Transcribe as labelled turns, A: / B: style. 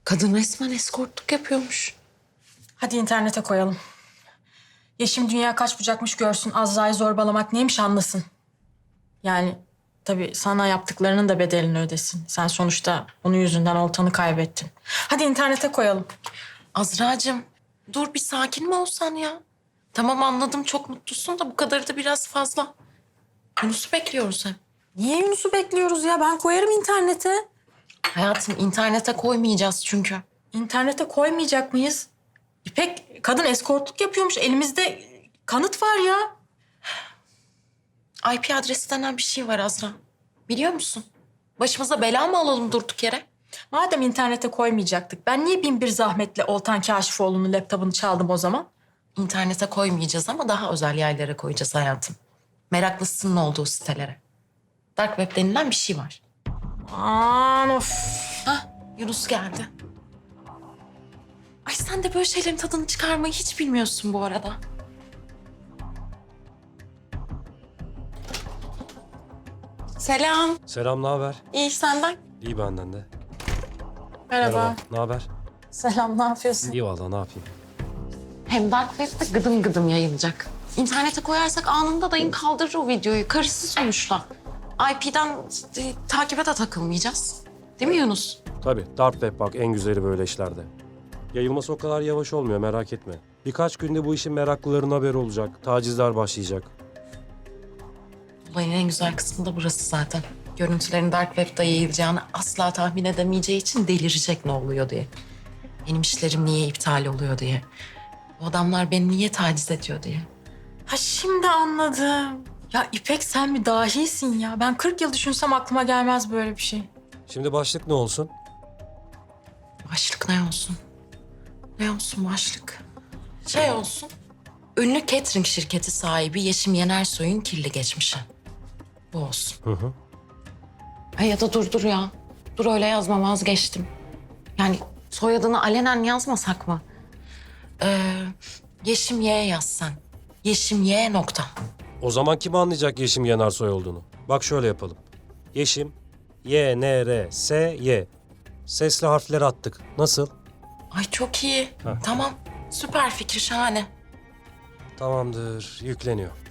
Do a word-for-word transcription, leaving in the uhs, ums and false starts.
A: Kadın resmen eskortluk yapıyormuş.
B: Hadi internete koyalım. Yeşim dünya kaç bucakmış görsün, Azra'yı zorbalamak neymiş anlasın. Yani tabii sana yaptıklarının da bedelini ödesin. Sen sonuçta onun yüzünden oltanı kaybettin. Hadi internete koyalım.
A: Azra'cığım dur bir sakin mi olsan ya? Tamam anladım çok mutlusun da bu kadarı da biraz fazla. Yunus'u bekliyoruz hep.
B: Niye Yunus'u bekliyoruz ya? Ben koyarım internete.
A: Hayatım internete koymayacağız çünkü.
B: İnternete koymayacak mıyız? İpek kadın eskortluk yapıyormuş. Elimizde kanıt var ya.
A: I P adresi denen bir şey var Azra. Biliyor musun? Başımıza bela mı alalım durduk yere?
B: Madem internete koymayacaktık, ben niye bin bir zahmetle Oltan Kaşifoğlu'nun laptopunu çaldım o zaman?
A: İnternete koymayacağız ama daha özel yerlere koyacağız hayatım. Meraklısının olduğu sitelere. Dark web denilen bir şey var.
B: Aman of.
A: Hah, Yunus geldi. Ay sen de böyle şeylerin tadını çıkarmayı hiç bilmiyorsun bu arada. Selam.
C: Selam, ne haber?
A: İyi senden.
C: İyi benden de.
B: Merhaba.
C: Ne haber?
B: Selam, ne yapıyorsun?
C: İyi vallahi, ne yapayım?
A: Hem Dark Web'de gıdım gıdım yayılacak. İnternete koyarsak anında dayın kaldırır o videoyu. Karısı sonuçta. I P'den e, takibe de takılmayacağız. Değil mi Yunus?
C: Tabii, Dark Web bak en güzeli böyle işlerde. Yayılması o kadar yavaş olmuyor, merak etme. Birkaç günde bu işin meraklıların haberi olacak, tacizler başlayacak.
A: Olayın en güzel kısmı da burası zaten. Görüntülerin Dark Web'de yayılacağını asla tahmin edemeyeceği için delirecek ne oluyor diye. Benim işlerim niye iptal oluyor diye. Bu adamlar beni niye taciz ediyor diye.
B: Ha şimdi anladım. Ya İpek sen bir dahisin ya. Ben kırk yıl düşünsem aklıma gelmez böyle bir şey.
C: Şimdi başlık ne olsun?
A: Başlık ne olsun? Ne olsun başlık? Şey olsun. Ünlü catering şirketi sahibi Yeşim Yenersoy'un kirli geçmişi. Bu olsun.
C: Hı hı.
A: Ha ya da dur dur ya. Dur öyle yazma vazgeçtim. Yani soyadını alenen yazmasak mı? Ee, Yeşim Y yaz sen. Yeşim Y nokta.
C: O zaman kim anlayacak Yeşim Yenarsoy olduğunu? Bak şöyle yapalım. Yeşim, Y, N, R, S, Y. Sesli harfleri attık. Nasıl?
A: Ay çok iyi.
C: Ha.
A: Tamam. Süper fikir şahane.
C: Tamamdır, yükleniyor.